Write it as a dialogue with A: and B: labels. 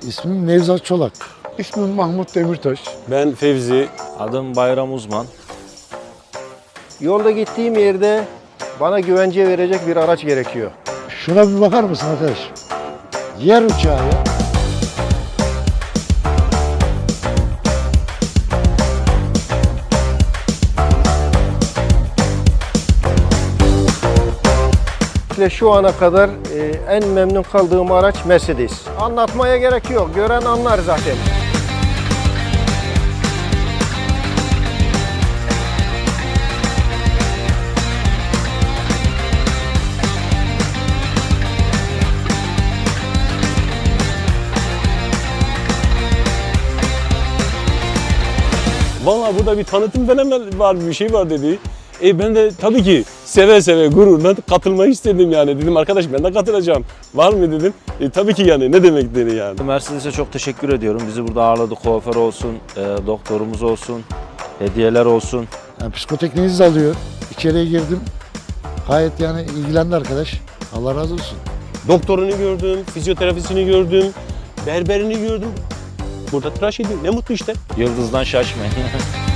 A: İsmim Nevzat Çolak. İsmim Mahmut Demirtaş.
B: Ben Fevzi.
C: Adım Bayram Uzman.
D: Yolda gittiğim yerde bana güvence verecek bir araç gerekiyor.
A: Şuna bir bakar mısın arkadaş? Yer uçağı ya.
D: Ve şu ana kadar en memnun kaldığım araç Mercedes. Anlatmaya gerek yok. Gören anlar zaten.
B: Vallahi burada bir tanıtım falan var, bir şey var dedi. Ben de tabii ki seve seve gururla katılmayı istedim yani. Dedim arkadaş ben de katılacağım. Var mı dedim. Tabii ki yani ne demek dedi yani.
C: Mercedes'e çok teşekkür ediyorum. Bizi burada ağırladı. Kuaför olsun, doktorumuz olsun, hediyeler olsun.
A: Yani psikotekniğinizi de alıyor. İçeriye girdim. Gayet yani ilgilendi arkadaş. Allah razı olsun.
B: Doktorunu gördüm, fizyoterapisini gördüm, berberini gördüm. Burada tıraş ediyor. Ne mutlu işte.
C: Yıldız'dan şaşmayın.